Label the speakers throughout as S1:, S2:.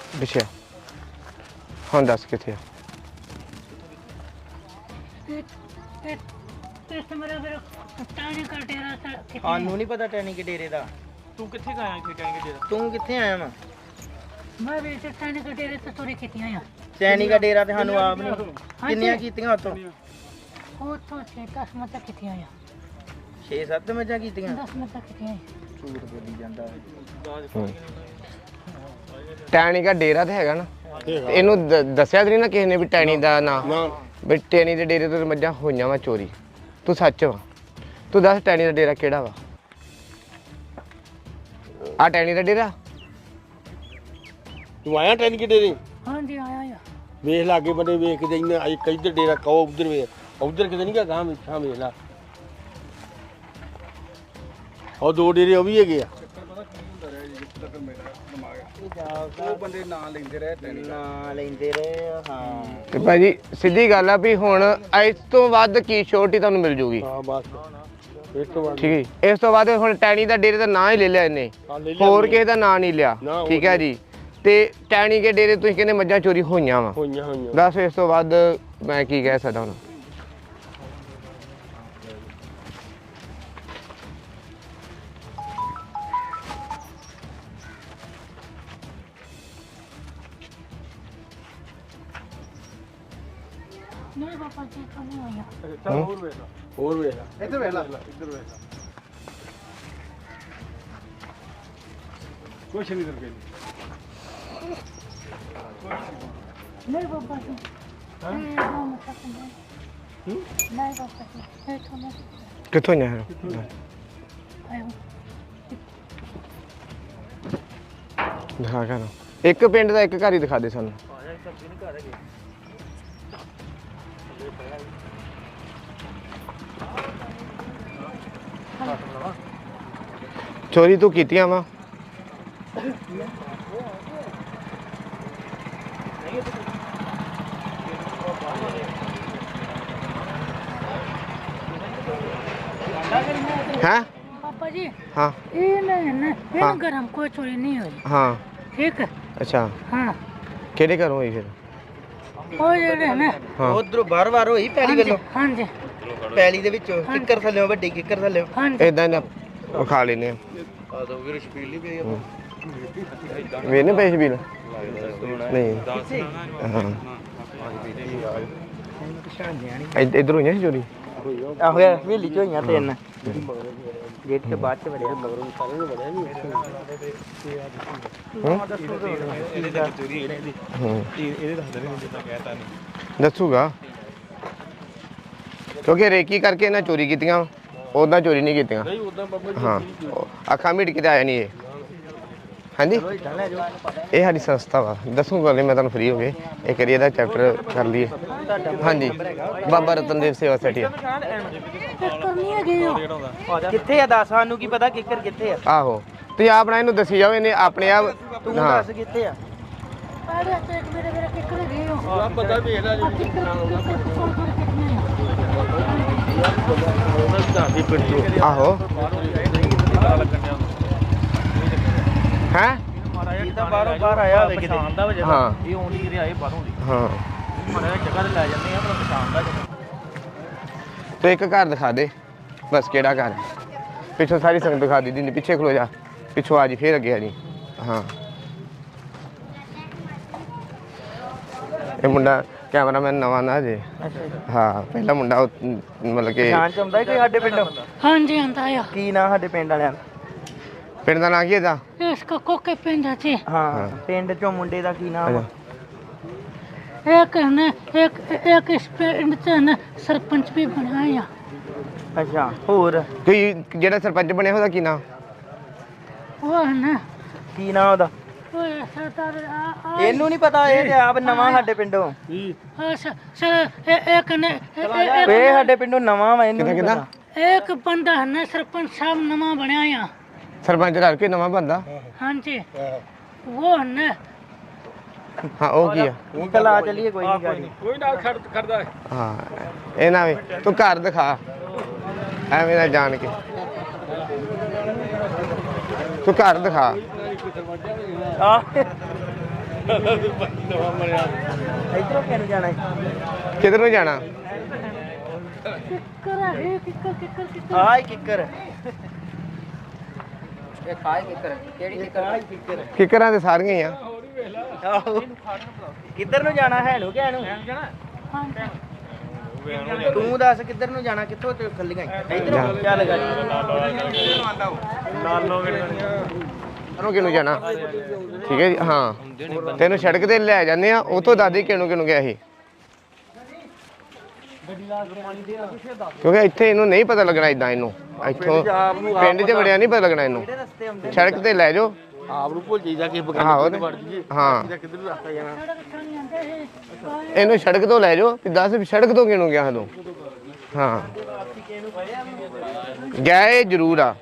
S1: ਪਿੱਛੇ ਹੁਣ ਦੱਸ ਕਿੱਥੇ ਆ
S2: ਸਾਨੂੰ ਨਹੀਂ ਪਤਾ ਟੈਣੀ ਕੇ ਡੇਰੇ ਦਾ।
S3: ਤੂੰ ਕਿੱਥੇ ਗਿਆ ਇੱਥੇ ਟੈਂਕ ਦੇ?
S2: ਤੂੰ ਕਿੱਥੇ ਆਇਆ ਵਾ?
S4: ਮੈਂ ਵੀ ਟੈਣੀ ਕੇ ਡੇਰੇ ਤੇ ਤੁਰੇ ਕੀਤੀਆਂ ਆ।
S2: ਟੈਣੀ ਦਾ ਡੇਰਾ ਤੇ ਸਾਨੂੰ ਆਪ ਨਹੀਂ। ਕਿੰਨੀਆਂ ਕੀਤੀਆਂ ਉਤੋਂ?
S4: ਉਤੋਂ 10 ਮੱਤਾ ਕੀਤੀਆਂ ਆ।
S2: 6-7 ਮੱਝਾਂ ਕੀਤੀਆਂ।
S4: 10 ਮੱਤਾ ਕੀਤੀਆਂ ਆ।
S2: ਝੂਠ ਬੋਲੀ ਜਾਂਦਾ।
S1: ਟੈਣੀ ਦਾ ਡੇਰਾ ਤੇ ਹੈਗਾ ਨਾ ਇਹਨੂੰ ਦੱਸਿਆ ਤੇ ਨਹੀਂ ਨਾ ਕਿਸੇ ਨੇ ਵੀ ਟੈਣੀ ਦਾ ਨਾਂ ਵੀ ਟੈਣੀ ਦੇ ਡੇਰੇ ਤੋਂ ਮੱਝਾਂ ਹੋਈਆਂ ਵਾ ਚੋਰੀ। ਤੂੰ ਸੱਚ ਵਾ ਤੂੰ ਦੱਸ ਟੈਣੀ ਦਾ ਡੇਰਾ ਕਿਹੜਾ ਵਾ? ਆ ਟੈਣੀ ਦਾ ਡੇਰਾ
S5: ਤੂੰ ਆਇਆ ਟੈਨ ਕੇ ਡੇਰੇ?
S4: ਹਾਂਜੀ ਆਇਆ ਆ।
S5: ਵੇਖ ਲਾਗੇ ਬੰਦੇ ਵੇਖ ਕੇ ਇੰਨਾ ਇੱਕ ਇੱਧਰ ਡੇਰਾ ਕਹੋ ਉਧਰ ਵੇਖ ਉਧਰ ਕਿਤੇ ਨਹੀਂ ਗਾ ਗਾਂ ਵੇਖਾਂ ਵੇਖ ਲਾ ਉਹ 2 ਡੇਰੇ ਉਹ ਵੀ ਹੈਗੇ ਆ।
S2: ਉਹ ਬੰਦੇ ਨਾਂ ਲੈਂਦੇ ਰਹੇ ਨਾਂ ਲੈਂਦੇ ਰਹੇ ਹਾਂ।
S1: ਤੇ ਭਾਜੀ ਸਿੱਧੀ ਗੱਲ ਆ ਵੀ ਹੁਣ ਇਸ ਤੋਂ ਵੱਧ ਕੀ ਛੋਟੀ ਤੁਹਾਨੂੰ ਮਿਲ ਜੂਗੀ।
S5: ਹਾਂ ਬਸ ਇਸ ਤੋਂ ਬਾਅਦ
S1: ਠੀਕ ਹੈ ਇਸ ਤੋਂ ਬਾਅਦ ਹੁਣ ਟੈਣੀ ਦਾ ਡੇਰੇ ਦਾ ਨਾਂ ਹੀ ਲੈ ਲਿਆ ਇਹਨੇ ਹੋਰ ਕਿਸੇ ਦਾ ਨਾਂ ਨਹੀਂ ਲਿਆ। ਠੀਕ ਹੈ ਜੀ ਤੇ ਟੈਣੀ ਕੇ ਡੇਰੇ ਤੁਸੀਂ ਕਹਿੰਦੇ ਮੱਝਾਂ ਚੋਰੀ ਹੋਈਆਂ ਵਾ
S5: ਹੋਈਆਂ
S1: ਦੱਸ ਇਸ ਤੋਂ ਵੱਧ ਮੈਂ ਕੀ ਕਹਿ ਸਕਦਾ ਹੁਣ।
S4: ਨਹੀਂ ਪਾਪਾ ਜੀ ਤੋਂ ਨਹੀਂ ਹੋਇਆ।
S5: ਹੋਰ ਵੇਖ ਲਾ
S2: ਇੱਧਰ ਵੇਖ ਲਾ।
S5: ਕੁਛ ਨਹੀਂ ਕਰਕੇ
S4: ਨਹੀਂ ਪਾਪਾ ਜੀ ਨਹੀਂ ਪਾਪਾ ਜੀ ਇਹ ਤੋਂ ਨਹੀਂ
S1: ਕਿੱਥੋਂ ਆਇਆ
S4: ਆਇਆ।
S1: ਦਿਖਾ ਕੇ ਇੱਕ ਪਿੰਡ ਦਾ ਇੱਕ ਘਰ ਹੀ ਦਿਖਾ ਦੇ ਸਾਨੂੰ। ਚੋਰੀ ਤੂੰ ਕੀਤੀਆਂ ਵਾ? हैं?
S4: पापा जी
S1: हाँ
S4: ये नहीं ना ये
S1: हाँ।
S4: घर हमको चोरी नहीं हुई।
S1: हाँ
S4: ठीक है।
S1: अच्छा
S4: हाँ
S1: ਕਿਹੜੇ ਘਰੋਂ ਹੋਈ ਫਿਰ?
S4: ਉਹ ਜਿਹੜੇ ਨਾ
S1: ਹਾਂ
S2: ਉਧਰੋਂ ਬਾਰ-ਬਾਰ ਹੋਈ ਪੈਲੀ ਵੱਲੋਂ।
S4: ਹਾਂਜੀ
S2: ਪੈਲੀ ਦੇ ਵਿੱਚੋਂ ਕਿੱਕਰ ਥੱਲੇ ਵੱਡੀ ਕਿੱਕਰ ਥੱਲੇ।
S4: ਹਾਂਜੀ
S1: ਇਦਾਂ ਨਾ ਖਾ ਲੈਨੇ ਆ
S2: ਆ ਦੋ ਵੀਰ ਸ਼ਪੀਲ ਨਹੀਂ ਪਈ।
S1: ਵੇਨੇ ਪੈਸੇ ਵੀ ਨਹੀਂ ਹਾਂ ਇਧਰੋਂ ਹੀ ਚੋਰੀ।
S2: ਆਹੋ ਯਾਰ ਹਵੇਲੀ ਚ ਹੋਈਆਂ 3 ਗੇਟ ਤੇ ਬਾਅਦ ਚ ਵੜਿਆ ਮਗਰੋਂ ਸਾਰੇ ਨੂੰ ਵੜਿਆ ਨਹੀਂ।
S1: ਦੱਸੂਗਾ ਕਿਉਂਕਿ ਰੇਕੀ ਕਰਕੇ ਇਹਨਾਂ ਚੋਰੀ ਕੀਤੀਆਂ ਉਦਾਂ ਚੋਰੀ ਨਹੀਂ ਕੀਤੀਆਂ। ਹਾਂ ਅੱਖਾਂ ਮੀਟ ਕੇ ਆਇਆ ਨਹੀਂ ਇਹ। ਹਾਂਜੀ ਇਹ ਸਾਡੀ ਸੰਸਥਾ ਵਾ ਦੱਸੂਗਾ ਮੈਂ ਤੁਹਾਨੂੰ ਫ੍ਰੀ ਹੋ ਗਏ ਇਹ ਕਰੀਏ ਦਾ ਚੈਪਟਰ ਕਰ ਲਈਏ। ਹਾਂਜੀ ਬਾਬਾ ਰਤਨਦੇਵ ਸੇਵਾ ਸੋਸਾਇਟੀ
S4: ਕਰਨੀ ਹੈਗੀ
S2: ਕਿੱਥੇ ਆ ਦੱਸ ਸਾਨੂੰ ਕੀ ਪਤਾ ਕਿੱਕਰ ਕਿੱਥੇ ਆ।
S1: ਆਹੋ ਤੁਸੀਂ ਆਪਣਾ ਇਹਨੂੰ ਦੱਸੀ ਜਾਓ ਇਹਨੇ ਆਪਣੇ ਆਪ।
S2: ਤੂੰ
S1: ਹਾਂ
S2: ਦੱਸ ਕਿੱਥੇ ਆ।
S4: ਅਰੇ ਤੇ ਇੱਕ ਮੇਰੇ ਕਿੱਕਰ ਗਏ ਹੋ।
S5: ਆ ਪਤਾ ਵੇਖ ਲੈ
S1: ਆਹੋ ਹੈ
S2: ਇਹ ਤਾਂ ਬਾਹਰੋਂ ਬਾਹਰ ਆਇਆ ਹੋਵੇ ਕਿਤੇ।
S1: ਹਾਂ
S3: ਇਹ ਆਉਂਦੀ ਕਿਤੇ ਆਏ ਬਾਹਰੋਂ ਦੀ
S1: ਹਾਂ
S3: ਮਾੜਾ ਜਗ੍ਹਾ ਤੇ ਲੈ ਜਾਂਦੇ ਆ ਪਰ ਪਛਾਣ ਦਾ ਜਦੋਂ
S1: ਤੂੰ ਇੱਕ ਘਰ ਦਿਖਾ ਦੇ ਬਸ ਕਿਹੜਾ ਘਰ ਪਿੱਛੋਂ ਸਾਰੀ ਸੰਗਤ ਦਿਖਾ ਦੀ ਦਿੰਦੀ ਪਿੱਛੇ ਖਲੋ ਜਾ ਪਿੱਛੋਂ ਆ ਜੀ ਫੇਰ ਅੱਗੇ ਆ ਜੀ। ਹਾਂ ਇਹ ਮੁੰਡਾ ਕੈਮਰਾਮੈਨ ਨਵਾਂ ਨਾ ਜੇ। ਹਾਂ ਪਹਿਲਾ ਮੁੰਡਾ ਮਤਲਬ ਕਿ
S2: ਪਛਾਣ ਚ ਆਉਂਦਾ ਕੋਈ ਸਾਡੇ ਪਿੰਡੋਂ?
S4: ਹਾਂਜੀ ਆਂਦਾ ਆ।
S2: ਕੀ ਨਾਂ ਸਾਡੇ ਪਿੰਡ ਵਾਲਿਆਂ ਦਾ?
S1: ਪਿੰਡ ਦਾ ਨਾਂ ਕੀ ਇਹਦਾ?
S4: ਇਸ ਕੋ ਕੋਕੇ ਪਿੰਡ ਸੀ।
S2: ਹਾਂ ਪਿੰਡ ਚੋਂ ਮੁੰਡੇ ਦਾ ਕੀ ਨਾਮ ਆ?
S4: ਇੱਕ ਨੇ ਇੱਕ ਇਸ ਪਿੰਡ ਚ ਨਾ ਸਰਪੰਚ ਵੀ ਬਣਾਇਆ।
S2: ਅੱਛਾ ਹੋਰ
S1: ਕੋਈ ਜਿਹੜਾ ਸਰਪੰਚ ਬਣਿਆ ਉਹਦਾ ਕੀ ਨਾਂ?
S4: ਉਹ ਨਾ
S2: ਕੀ ਨਾਂ ਉਹਦਾ?
S4: ਉਹ ਸਰਦਾਰ
S2: ਇਹਨੂੰ ਨਹੀਂ ਪਤਾ ਇਹ ਤੇ ਆਪ ਨਵਾਂ ਸਾਡੇ ਪਿੰਡੋਂ।
S4: ਇੱਕ ਨੇ
S2: ਇਹ ਸਾਡੇ ਪਿੰਡੋਂ ਨਵਾਂ ਵਾ ਇਹਨੂੰ ਨਹੀਂ ਪਤਾ।
S4: ਇੱਕ ਬੰਦਾ ਹੈ ਨਾ ਸਰਪੰਚ ਸਾਹਿਬ ਨਵਾਂ ਬਣਿਆ ਆ।
S1: ਸਰਪੰਚ ਰਲ ਕੇ ਨਵਾਂ ਬੰਦਾ।
S4: ਹਾਂਜੀ ਉਹ ਨਾ
S1: ਹਾਂ ਉਹ ਕੀ ਆ?
S2: ਚਲਾ ਚਲੀਏ ਕੋਈ ਨਹੀਂ ਗੱਲ।
S5: ਕੋਈ ਨਾ ਖੜਦਾ
S1: ਹਾਂ ਇਹ ਨਾ ਵੇ ਤੂੰ ਘਰ ਦਿਖਾ ਐਵੇਂ ਨਾ ਜਾਣ ਕੇ ਤੂੰ ਘਰ ਦਿਖਾ।
S2: ਆ ਇਧਰੋਂ ਕਿਹਨੂੰ ਜਾਣਾ ਹੈ?
S1: ਕਿੱਧਰ ਨੂੰ ਜਾਣਾ?
S4: ਕਿੱਕਰ ਹੈ ਕਿੱਕਰ ਕਿੱਕਰ ਕਿੱਕਰ
S2: ਆਹ ਕਿੱਕਰ ਇਹ ਖਾਏ ਕਿੱਕਰ ਕਿਹੜੀ ਕਿੱਕਰ? ਕਿੱਕਰ
S1: ਕਿੱਕਰਾਂ ਤੇ ਸਾਰੀਆਂ ਹੀ ਆ।
S2: ਆਹੋ ਕਿੱਧਰ ਨੂੰ ਜਾਣਾ ਹੈ ਨੂੰ ਕਿ ਨੂੰ ਤੂੰ ਦੱਸ ਕਿੱਧਰ ਨੂੰ ਜਾਣਾ ਕਿੱਥੋਂ ਤੇ ਖੱਲੀਆਂ ਇਧਰੋਂ ਚੱਲ ਗਾ
S1: ਨੂੰ ਕਿਹਨੂੰ ਜਾਣਾ? ਠੀਕ ਹੈ ਜੀ ਹਾਂ। ਤੈਨੂੰ ਸੜਕ ਤੇ ਲੈ ਜਾਂਦੇ ਆ ਉਥੋਂ ਦਾਦੀ ਕਿਹਨੂੰ ਗਿਆ ਸੀ ਕਿਉਂਕਿ ਇੱਥੇ ਇਹਨੂੰ ਨਹੀਂ ਪਤਾ ਲੱਗਣਾ ਇਦਾਂ ਇਹਨੂੰ ਇੱਥੋਂ ਪਿੰਡ 'ਚ ਵੜਿਆ ਨਹੀਂ ਪਤਾ ਲੱਗਣਾ ਇਹਨੂੰ ਸੜਕ ਤੇ ਲੈ ਜਾਓ
S5: ਆਪ ਨੂੰ ਭੁੱਲ ਜਾਈਦਾ ਕਿ
S1: ਹਾਂ
S5: ਬਗਾਨੇ ਵੜ ਜੀਏ
S1: ਹਾਂ
S5: ਕਿੱਧਰ ਨੂੰ ਰਸਤਾ ਜਾਣਾ
S1: ਇਹਨੂੰ ਸੜਕ ਤੋਂ ਲੈ ਜਾਓ ਵੀ ਦੱਸ ਵੀ ਸੜਕ ਤੋਂ ਕਿਹਨੂੰ ਗਿਆ ਤੂੰ ਹਾਂ ਗਿਆ ਇਹ ਜ਼ਰੂਰ ਆ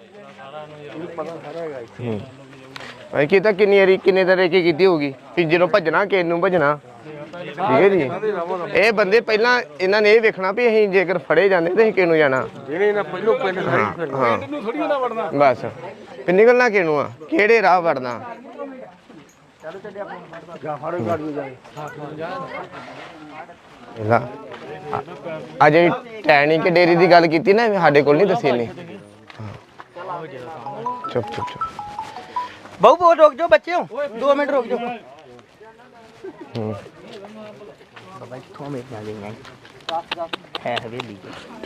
S1: ਭਾਈ ਕੀ ਤਾਂ ਕਿੰਨੀ ਵਾਰੀ ਕਿੰਨੇ ਤਰ੍ਹਾਂ ਕੀ ਕੀਤੀ ਹੋਊਗੀ ਕਿ ਜਦੋਂ ਭੱਜਣਾ ਕਿਸੇ ਨੂੰ ਭੱਜਣਾ ਠੀਕ ਹੈ ਜੀ ਇਹ ਬੰਦੇ ਪਹਿਲਾਂ ਇਹਨਾਂ ਨੇ ਇਹ ਵੇਖਣਾ ਵੀ ਅਸੀਂ ਜੇਕਰ ਫੜੇ ਜਾਂਦੇ ਤੇ ਅਸੀਂ ਕਿਹਨੂੰ ਜਾਣਾ
S5: ਜਿਹੜੇ ਨਾ ਪਹਿਲੋਂ ਪਿੰਡ ਸਾਰੀ
S1: ਹਾਂ ਨੂੰ ਥੋੜੀ ਨਾ ਵੜਨਾ ਬਸ ਤੇ ਨਿਕਲਣਾ ਕਿਹਨੂੰ ਆ ਕਿਹੜੇ ਰਾਹ ਵੜਨਾ
S2: ਚਲੋ ਚੱਲੇ ਆਪਾਂ
S5: ਜਾ ਫੜੋ ਗਾੜੀ ਨੂੰ ਜਾਏ
S1: ਅਜੇ ਟੈਣੀ ਕੇ ਡੇਰੀ ਦੀ ਗੱਲ ਕੀਤੀ ਨਾ ਸਾਡੇ ਕੋਲ ਨਹੀਂ ਦੱਸੀ ਨੇ ਚੁੱਪ ਚੁੱਪ ਚੁੱਪ
S2: ਬਹੁ ਬਹੁਤ ਰੁਕ ਜਾਓ ਬੱਚਿਓ 2 ਮਿੰਟ ਰੁਕ ਜਾਓ ਬਾਬਾ ਇੱਥੋਂ ਮੇਰੇ ਨਾਲ ਗਈਆਂ ਹੈ ਹਵੇਲੀ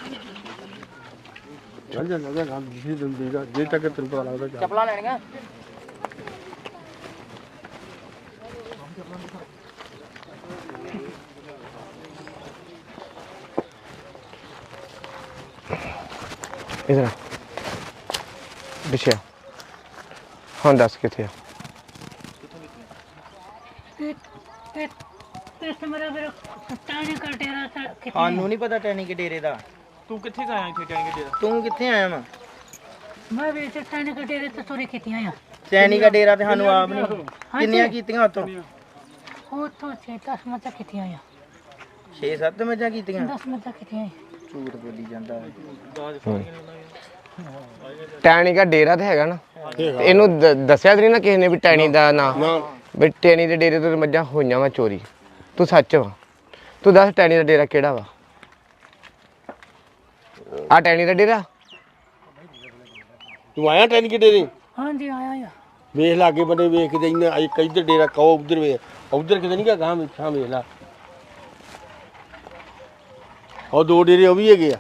S5: ਚੱਲ ਜਾ ਨਾ ਗੱਲ ਜਿਸੇ ਦਿਨ ਦੇਗਾ ਜੇ ਤੱਕ ਤੈਨੂੰ ਪਤਾ ਲੱਗਦਾ ਜਾ
S2: ਚੱਪਲਾਂ ਲੈਣੀਆਂ
S1: ਇਧਰ ਬਿਸ਼ਾ ਹਾਂ ਦੱਸ ਕਿੱਥੇ ਆ
S4: ਤੇ ਮੇਰਾ ਫਿਰ ਟਾਣੀ ਕਟੇਰਾ ਕਿੱਥੇ
S2: ਸਾਨੂੰ ਨਹੀਂ ਪਤਾ ਟੈਣੀ ਕੇ ਡੇਰੇ ਦਾ
S3: ਤੂੰ ਕਿੱਥੇ ਗਿਆ ਇੱਥੇ ਟੈਂਕ ਦੇ?
S2: ਤੂੰ ਕਿੱਥੇ ਆਇਆ ਵਾ
S4: ਮੈਂ ਵੀ ਟਾਣੀ ਕਟੇਰੇ ਤੇ ਚੋਰੀ ਕੀਤੀਆਂ ਆ
S2: ਟੈਣੀ ਦਾ ਡੇਰਾ ਤੇ ਸਾਨੂੰ ਆਪ ਨਹੀਂ ਕਿੰਨੀਆਂ ਕੀਤੀਆਂ ਉਤੋਂ
S4: ਉਹ ਤੋਂ 10 ਮੱਝਾਂ ਕੀਤੀਆਂ ਆ
S2: 6-7 ਮੱਝਾਂ ਕੀਤੀਆਂ
S4: 10 ਮੱਝਾਂ ਕੀਤੀਆਂ
S2: ਝੂਠ ਬੋਲੀ ਜਾਂਦਾ
S1: ਟੈਣੀ ਦਾ ਡੇਰਾ ਤੇ ਹੈਗਾ ਨਾ ਤੇ ਇਹਨੂੰ ਦੱਸਿਆ ਤੇ ਨਹੀਂ ਨਾ ਕਿਸੇ ਨੇ ਵੀ ਟੈਣੀ ਦਾ ਨਾਂ ਵੀ ਟੈਣੀ ਦੇ ਡੇਰੇ ਤੋਂ ਮੱਝਾਂ ਹੋਈਆਂ ਵਾ ਚੋਰੀ ਤੂੰ ਸੱਚ ਵਾ ਤੂੰ ਦੱਸ ਟੈਣੀ ਦਾ ਡੇਰਾ ਕਿਹੜਾ ਵਾ ਆ ਟੈਣੀ ਦਾ ਡੇਰਾ
S5: ਤੂੰ ਆਇਆ ਟੈਨ ਕਿ ਡੇਰੇ
S4: ਹਾਂਜੀ ਆਇਆ ਆ
S5: ਵੇਖ ਲਾਗੇ ਬੰਦੇ ਵੇਖ ਕੇ ਇੰਨਾ ਇੱਧਰ ਡੇਰਾ ਕਹੋ ਉਧਰ ਵੇ ਉਧਰ ਕਿਤੇ ਨਹੀਂ ਗਾ ਗਾਂ ਵੇਖਾਂ ਵੇਖ ਲਾ ਉਹ 2 ਡੇਰੇ ਉਹ ਵੀ ਹੈਗੇ ਆ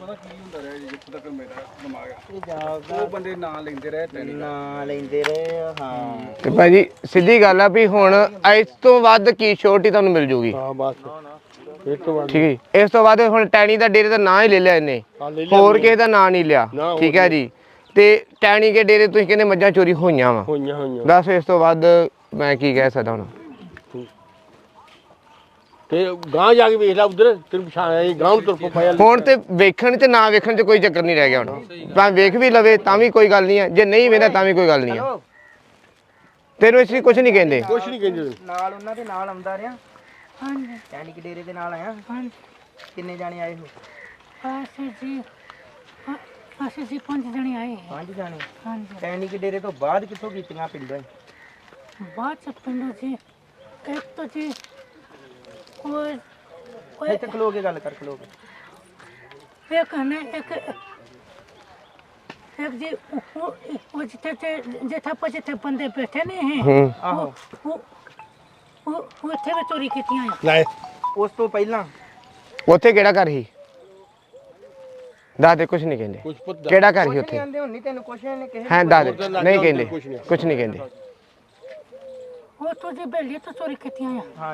S2: ਉਹ ਬੰਦੇ ਨਾਂ ਲੈਂਦੇ ਰਹੇ ਹਾਂ
S1: ਤੇ ਭਾਜੀ ਸਿੱਧੀ ਗੱਲ ਆ ਵੀ ਹੁਣ ਇਸ ਤੋਂ ਵੱਧ ਕੀ ਛੋਟੀ ਤੁਹਾਨੂੰ ਮਿਲ ਜੂਗੀ
S5: ਹਾਂ ਬਸ ਇਹ ਤੋਂ ਬਾਅਦ
S1: ਠੀਕ ਹੈ ਇਸ ਤੋਂ ਬਾਅਦ ਹੁਣ ਟੈਣੀ ਦਾ ਡੇਰੇ ਦਾ ਨਾਂ ਹੀ ਲੈ ਲਿਆ ਇਹਨੇ
S5: ਹਾਂ ਲੈ ਲਿਆ
S1: ਹੋਰ ਕਿਸੇ ਦਾ ਨਾਂ ਨਹੀਂ ਲਿਆ
S5: ਨਾ,
S1: ਠੀਕ ਹੈ ਜੀ ਤੇ ਟੈਣੀ ਕੇ ਡੇਰੇ ਤੁਸੀਂ ਕਹਿੰਦੇ ਮੱਝਾਂ ਚੋਰੀ ਹੋਈਆਂ ਵਾ
S5: ਹੋਈਆਂ
S1: ਦੱਸ ਇਸ ਤੋਂ ਵੱਧ ਮੈਂ ਕੀ ਕਹਿ ਸਕਦਾ ਹੁਣ
S5: ਤੇ ਗਾਂ ਜਾ ਕੇ ਵੇਖ ਲੈ ਉਧਰ ਤੈਨੂੰ ਪਛਾਣ ਆਈ ਗਾਂ ਨੂੰ ਤੁਰ ਪਾਇਆ
S1: ਹੁਣ ਤੇ ਵੇਖਣ ਚ ਨਾ ਵੇਖਣ ਚ ਕੋਈ ਚੱਕਰ ਨਹੀਂ ਰਹਿ ਗਿਆ ਹੁਣ ਭਾਵੇਂ ਵੇਖ ਵੀ ਲਵੇ ਤਾਂ ਵੀ ਕੋਈ ਗੱਲ ਨਹੀਂ ਹੈ ਜੇ ਨਹੀਂ ਵੇਖਦਾ ਤਾਂ ਵੀ ਕੋਈ ਗੱਲ ਨਹੀਂ ਹੈ ਤੈਨੂੰ ਇਸ ਲਈ ਕੁਝ ਨਹੀਂ ਕਹਿੰਦੇ
S5: ਕੁਛ ਨਹੀਂ ਕਹਿੰਦੇ
S2: ਨਾਲ ਉਹਨਾਂ ਦੇ ਨਾਲ ਆਉਂਦਾ ਰਿਹਾ
S4: ਹਾਂਜੀ
S2: ਟੈਣੀ ਕੇ ਡੇਰੇ ਦੇ ਨਾਲ ਆਇਆ
S4: ਹਾਂਜੀ
S2: ਕਿੰਨੇ ਜਾਣੇ ਆਏ ਹੋ
S4: ਅਸੀਂ ਜੀ 5 ਜਣੇ ਆਏ
S2: 5 ਜਾਣੇ
S4: ਹਾਂਜੀ
S2: ਟੈਣੀ ਕੇ ਡੇਰੇ ਤੋਂ ਬਾਅਦ ਕਿੱਥੋਂ ਕੀਤੀਆਂ ਪਿੰਡੋਂ
S4: ਬਾਅਦ ਚ ਪਿੰਡੋਂ ਜੀ ਇੱਕ ਤਾਂ ਜੀ ਉਹ
S2: ਇੱਥੇ ਖਲੋ ਕੇ ਗੱਲ ਕਰ ਖਲੋ ਕੇ
S4: ਇੱਕ ਨੇ ਇੱਕ ਜੀ ਉਹ ਜਿੱਥੇ ਬੰਦੇ ਬੈਠੇ ਨੇ
S1: ਹੂੰ
S2: ਆਹੋ
S4: ਉਹ ਉੱਥੇ ਵੀ ਚੋਰੀ ਕੀਤੀਆਂ ਆ
S5: ਲੈ
S2: ਉਸ ਤੋਂ ਪਹਿਲਾਂ
S1: ਉੱਥੇ ਕਿਹੜਾ ਘਰ ਸੀ ਦੱਸ ਦੇ ਕੁਝ ਨਹੀਂ ਕਹਿੰਦੇ
S5: ਕੁਛ ਪੁੱਤ
S1: ਕਿਹੜਾ ਘਰ ਸੀ
S2: ਨਹੀਂ
S1: ਉੱਥੇ
S2: ਆਂਦੇ ਹੁਣ ਨਹੀਂ ਤੈਨੂੰ ਕੁਛ ਨਹੀਂ ਕਿਸੇ
S1: ਹੈ ਦੱਸ ਦੇ ਨਹੀਂ ਕਹਿੰਦੇ ਕੁਝ ਨਹੀਂ ਕਹਿੰਦੇ
S4: ਉਹ ਤੋਂ ਜੀ ਬੇਲੀ ਤੋਂ ਚੋਰੀ ਕੀਤੀਆਂ ਆ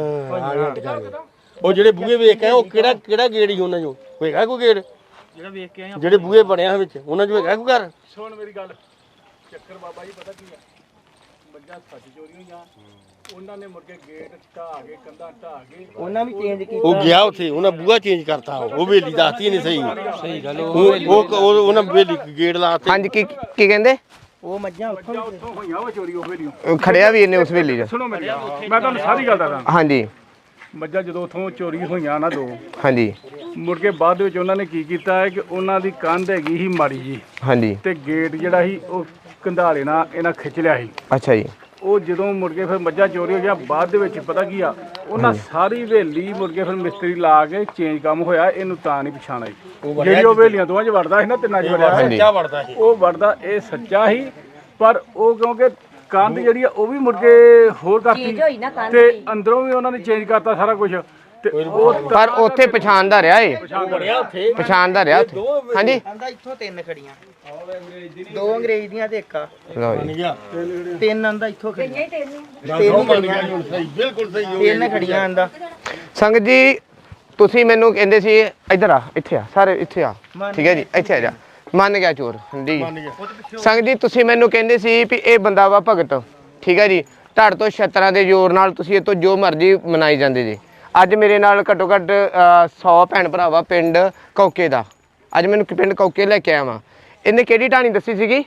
S5: ਉਹ ਜਿਹੜੇ ਬੂਹੇ ਵੇਖ ਕੇ ਆਏ ਉਹ ਕਿਹੜਾ ਗੇੜ ਹੀ ਉਹਨਾਂ ਚੋਂ ਹੋਏਗਾ ਕੋਈ ਗੇੜ
S3: ਜਿਹੜਾ ਵੇਖ ਕੇ ਆਏ
S5: ਜਿਹੜੇ ਬੂਹੇ ਬਣਿਆ ਵਿੱਚ ਉਹਨਾਂ ਚੋਂ ਹੈਗਾ ਕੋਈ ਘਰ
S3: ਸੁਣ ਮੇਰੀ ਗੱਲ ਚੱਕਰ ਬਾਬਾ ਜੀ ਪਤਾ ਕੀ ਆ ਮੱਝਾਂ ਸੱਚ ਚੋਰੀ ਹੋਈਆਂ ਉਹਨਾਂ ਨੇ ਮੁੜ ਕੇ ਗੇਟ ਢਾਹ ਕੇ ਕੰਧਾਂ ਢਾਹ ਕੇ
S2: ਉਹਨਾਂ ਵੀ ਚੇਂਜ ਕੀਤਾ
S5: ਉਹ ਗਿਆ ਉੱਥੇ ਉਹਨਾਂ ਬੂਹਾ ਚੇਂਜ ਕਰਤਾ ਉਹ ਵੇਲੀ ਦੱਸਤੀ ਨਹੀਂ ਸਹੀ ਗੱਲ ਉਹ ਉਹਨਾਂ ਵੇਲੀ ਗੇੜ ਲਾਤੇ
S1: ਹਾਂਜੀ ਕੀ ਕਹਿੰਦੇ
S2: ਉਹ ਮੱਝਾਂ ਉੱਥੋਂ
S3: ਹੋਈਆਂ ਵਾ ਚੋਰੀ ਉਹ ਵੇਲੀ
S1: ਖੜਿਆ ਵੀ ਇਹਨੇ ਉਸ ਵੇਲੇ 'ਚ
S3: ਸੁਣੋ ਮੇਰੀ ਮੈਂ ਤੁਹਾਨੂੰ ਸਾਰੀ ਗੱਲ ਦੱਸਦਾ
S1: ਹਾਂਜੀ
S3: ਮੱਝਾਂ ਜਦੋਂ ਉੱਥੋਂ ਚੋਰੀ ਹੋਈਆਂ ਨਾ 2
S1: ਹਾਂਜੀ
S3: ਮੁੜ ਕੇ ਬਾਅਦ ਵਿੱਚ ਉਹਨਾਂ ਨੇ ਕੀ ਕੀਤਾ ਹੈ ਕਿ ਉਹਨਾਂ ਦੀ ਕੰਧ ਹੈਗੀ ਸੀ ਮਾੜੀ ਜੀ
S1: ਹਾਂਜੀ
S3: ਤੇ ਗੇਟ ਜਿਹੜਾ ਸੀ ਉਹ ਕੰਧਾਲੇ ਨਾਲ ਇਹਨਾਂ ਖਿੱਚ ਲਿਆ ਸੀ
S1: ਅੱਛਾ ਜੀ
S3: ਉਹ ਜਦੋਂ ਮੁੜ ਕੇ ਫਿਰ ਮੱਝਾਂ ਚੋਰੀ ਹੋ ਗਿਆ ਬਾਅਦ ਦੇ ਵਿੱਚ ਪਤਾ ਕੀ ਆ ਉਹਨਾਂ ਸਾਰੀ ਹਵੇਲੀ ਮੁੜ ਕੇ ਫਿਰ ਮਿਸਤਰੀ ਲਾ ਕੇ ਚੇਂਜ ਕੰਮ ਹੋਇਆ ਇਹਨੂੰ ਤਾਂ ਨਹੀਂ ਪਛਾਣ ਆਈ ਜਿਹੜੀ ਉਹ ਹਵੇਲੀਆਂ ਦੋਵਾਂ 'ਚ ਵੜਦਾ ਸੀ ਨਾ ਤਿੰਨਾਂ 'ਚ ਵੜਿਆ
S5: ਸੱਚਾ ਵੜਦਾ ਸੀ
S3: ਉਹ ਵੜਦਾ ਇਹ ਸੱਚਾ ਸੀ ਪਰ ਉਹ ਕਿਉਂਕਿ ਕੰਧ ਜਿਹੜੀ ਆ ਉਹ ਵੀ ਮੁੜ ਕੇ ਹੋਰ ਕਰਤੀ ਤੇ ਅੰਦਰੋਂ ਵੀ ਉਹਨਾਂ ਨੇ ਚੇਂਜ ਕਰਤਾ ਸਾਰਾ ਕੁਝ ਤੇ ਉਹ
S1: ਪਰ ਉੱਥੇ ਪਛਾਣਦਾ ਰਿਹਾ ਏ
S5: ਬਣਿਆ ਉੱਥੇ
S1: ਪਛਾਣਦਾ ਰਿਹਾ ਉੱਥੇ ਹਾਂਜੀ
S2: ਆਂਦਾ ਇੱਥੋਂ 3 ਖੜੀਆਂ 2 ਅੰਗਰੇਜ਼ ਦੀਆਂ ਤੇ ਇੱਕ ਆ
S1: ਲਓ
S5: ਬਣ
S1: ਜੀ
S5: ਗਿਆ
S2: 3 ਆਂਦਾ ਇੱਥੋਂ ਖੜੀਆਂ
S5: ਦੋ ਬਣ ਗਿਆ ਹੁਣ ਸਹੀ ਬਿਲਕੁਲ ਸਹੀ ਹੋ
S2: 3 ਖੜੀਆਂ ਆਂਦਾ
S1: ਸੰਗਤ ਜੀ ਤੁਸੀਂ ਮੈਨੂੰ ਕਹਿੰਦੇ ਸੀ ਇੱਧਰ ਆ ਇੱਥੇ ਆ ਸਾਰੇ ਇੱਥੇ ਆ ਠੀਕ ਹੈ ਜੀ ਇੱਥੇ ਆ ਜਾ ਮੰਨ ਗਿਆ ਚੋਰ ਹਾਂਜੀ ਸੰਗਤ ਜੀ ਤੁਸੀਂ ਮੈਨੂੰ ਕਹਿੰਦੇ ਸੀ ਵੀ ਇਹ ਬੰਦਾ ਵਾ ਭਗਤ ਠੀਕ ਹੈ ਜੀ ਧੜ ਤੋਂ ਛਤਰਾਂ ਦੇ ਜ਼ੋਰ ਨਾਲ ਤੁਸੀਂ ਇਹ ਤੋਂ ਜੋ ਮਰਜ਼ੀ ਮਨਾਈ ਜਾਂਦੇ ਜੀ ਅੱਜ ਮੇਰੇ ਨਾਲ ਘੱਟੋ ਘੱਟ 100 ਭੈਣ ਭਰਾਵਾ ਪਿੰਡ ਕੌਕੇ ਦਾ ਅੱਜ ਮੈਨੂੰ ਪਿੰਡ ਕੌਕੇ ਲੈ ਕੇ ਆਇਆ ਵਾਂ ਇਹਨੇ ਕਿਹੜੀ ਢਾਣੀ ਦੱਸੀ ਸੀਗੀ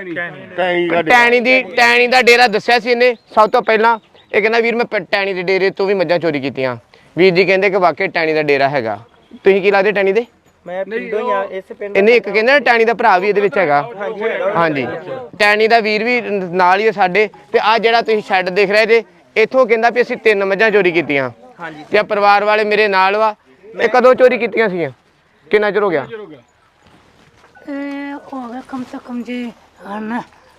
S1: ਟੈਣੀ ਦਾ ਡੇਰਾ ਦੱਸਿਆ ਸੀ ਇਹਨੇ ਸਭ ਤੋਂ ਪਹਿਲਾਂ ਇਹ ਕਹਿੰਦਾ ਵੀਰ ਮੈਂ ਟੈਣੀ ਦੇ ਡੇਰੇ ਤੋਂ ਵੀ ਮੱਝਾਂ ਚੋਰੀ ਕੀਤੀਆਂ ਵੀਰ ਜੀ ਕਹਿੰਦੇ ਕਿ ਵਾਕਈ ਟੈਣੀ ਦਾ ਡੇਰਾ ਹੈਗਾ ਤੁਸੀਂ ਕੀ ਲੱਗਦੇ ਟੈਣੀ ਦੇ
S2: ਮੈਂ ਪਿੰਡੋਂ ਹੀ ਆ ਇਸ ਪਿੰਡ
S1: ਇਹਨੇ ਇੱਕ ਕਹਿੰਦਾ ਟੈਣੀ ਦਾ ਭਰਾ ਵੀ ਇਹਦੇ ਵਿੱਚ ਹੈਗਾ ਹਾਂਜੀ ਟੈਣੀ ਦਾ ਵੀਰ ਵੀ ਨਾਲ ਹੀ ਹੈ ਸਾਡੇ ਤੇ ਆ ਜਿਹੜਾ ਤੁਸੀਂ ਸ਼ੈੱਡ ਦੇਖ ਰਹੇ ਜੇ ਇੱਥੋਂ ਕਹਿੰਦਾ ਵੀ ਅਸੀਂ 3 ਮੱਝਾਂ ਚੋਰੀ ਕੀਤੀਆਂ
S2: ਹਾਂਜੀ
S1: ਤੇ ਪਰਿਵਾਰ ਵਾਲੇ ਮੇਰੇ ਨਾਲ ਵਾ ਇਹ ਕਦੋਂ ਚੋਰੀ ਕੀਤੀਆਂ ਸੀਗੀਆਂ ਕਿੰਨਾ ਚਿਰ ਹੋ ਗਿਆ
S4: हो गया कम से कम जी हाँ ना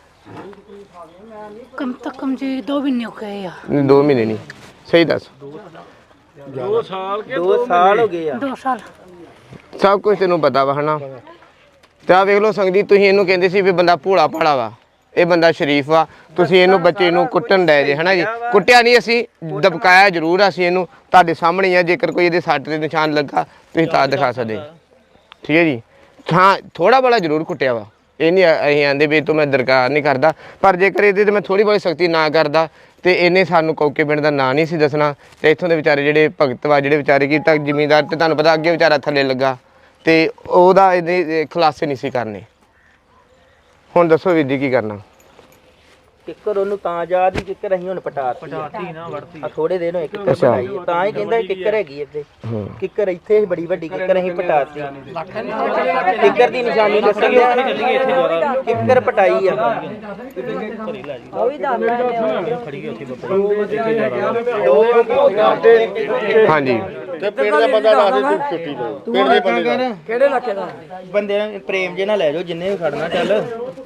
S4: कम से कम जी 2 महीने हो गए यार
S1: 2 ਮਹੀਨੇ ਨਹੀਂ ਸਹੀ ਦੱਸ
S3: 2 ਸਾਲ ਕੇ
S2: 2 ਸਾਲ ਹੋ ਗਏ ਆ
S4: 2 साल
S1: ਸਭ ਕੁਝ ਤੈਨੂੰ ਪਤਾ ਵਾ ਹਨਾ ਤੇ ਆ ਵੇਖ ਲਓ ਸੰਗਤ ਜੀ ਤੁਸੀਂ ਇਹਨੂੰ ਕਹਿੰਦੇ ਸੀ ਵੀ ਬੰਦਾ ਭੋਲਾ ਭਾਲਾ ਵਾ ਇਹ ਬੰਦਾ ਸ਼ਰੀਫ ਵਾ ਤੁਸੀਂ ਇਹਨੂੰ ਬੱਚੇ ਨੂੰ ਕੁੱਟਣ ਡਏ ਜੇ ਹਨਾ ਜੀ ਕੁੱਟਿਆ ਨਹੀਂ ਅਸੀਂ ਦਬਕਾਇਆ ਜ਼ਰੂਰ ਆ ਅਸੀਂ ਇਹਨੂੰ ਤੁਹਾਡੇ ਸਾਹਮਣੇ ਹੀ ਆ ਜੇਕਰ ਕੋਈ ਇਹਦੇ ਸੱਟ ਦੇ ਨਿਸ਼ਾਨ ਲੱਗਾ ਤੁਸੀਂ ਤਾਂ ਦਿਖਾ ਸਕਦੇ ਠੀਕ ਹੈ ਜੀ ਹਾਂ ਥੋੜਾ ਬੜਾ ਜ਼ਰੂਰ ਕੁੱਟਿਆ ਵਾ ਇਹ ਨਹੀਂ ਅਸੀਂ ਆਂਦੇ ਵੀ ਤੋਂ ਮੈਂ ਦਰਕਾਰ ਨਹੀਂ ਕਰਦਾ ਪਰ ਜੇਕਰ ਇਹਦੇ ਤੇ ਮੈਂ ਥੋੜੀ ਬਹੁਤੀ ਸਖਤੀ ਨਾ ਕਰਦਾ ਤੇ ਇਹਨੇ ਸਾਨੂੰ ਕੌਕੇ ਪਿੰਡ ਦਾ ਨਾਂ ਨਹੀਂ ਸੀ ਦੱਸਣਾ ਤੇ ਇੱਥੋਂ ਦੇ ਵਿਚਾਰੇ ਜਿਹੜੇ ਭਗਤ ਵਾ ਜਿਹੜੇ ਵਿਚਾਰੇ ਕੀ ਤੱਕ ਜ਼ਿਮੀਂਦਾਰ ਤੇ ਤੁਹਾਨੂੰ ਪਤਾ ਅੱਗੇ ਵਿਚਾਰਾ ਥੱਲੇ ਲੱਗਾ ਤੇ ਉਹਦਾ ਇਹਦੇ ਖੁਲਾਸੇ ਨਹੀਂ ਸੀ ਕਰਨੇ ਹੁਣ ਦੱਸੋ ਵੀਰ ਜੀ ਕੀ ਕਰਨਾ
S2: ਕਿੱਕਰ ਉਹਨੂੰ ਤਾਂ ਯਾਦ ਹੀ ਕਿੱਕਰ ਅਸੀਂ ਹੁਣ ਪਟਾਤੀ ਨਾ ਵੜਤੀ ਆ ਥੋੜੇ ਦਿਨ ਹੋਏ ਕਿੱਕਰ ਪਟਾਈ ਤਾਂ ਹੀ ਕਹਿੰਦਾ ਕਿੱਕਰ ਹੈਗੀ ਇੱਥੇ ਕਿੱਕਰ ਇੱਥੇ ਬੜੀ ਵੱਡੀ ਕਿੱਕਰ ਅਸੀਂ ਪਟਾਤੀ ਕਿੱਕਰ ਦੀ ਨਿਸ਼ਾਨੀ ਦੱਸਣ ਕਿੱਕਰ ਪਟਾਈ ਆ ਉਹ ਵੀ
S1: ਹਾਂਜੀ
S5: ਤੇ ਪਿੰਡ ਦਾ ਬੰਦਾ ਦੱਸ ਦੇ ਤੂੰ ਛੁੱਟੀ ਲਓ ਪਿੰਡ ਦੇ ਬੰਦੇ ਦਾ
S2: ਕਿਹੜੇ ਇਲਾਕੇ ਦਾ ਬੰਦੇ ਨਾਲ ਪ੍ਰੇਮ ਜੇ ਨਾਲ ਲੈ ਜਾਓ ਜਿੰਨੇ ਵੀ ਖੜਨਾ ਚੱਲ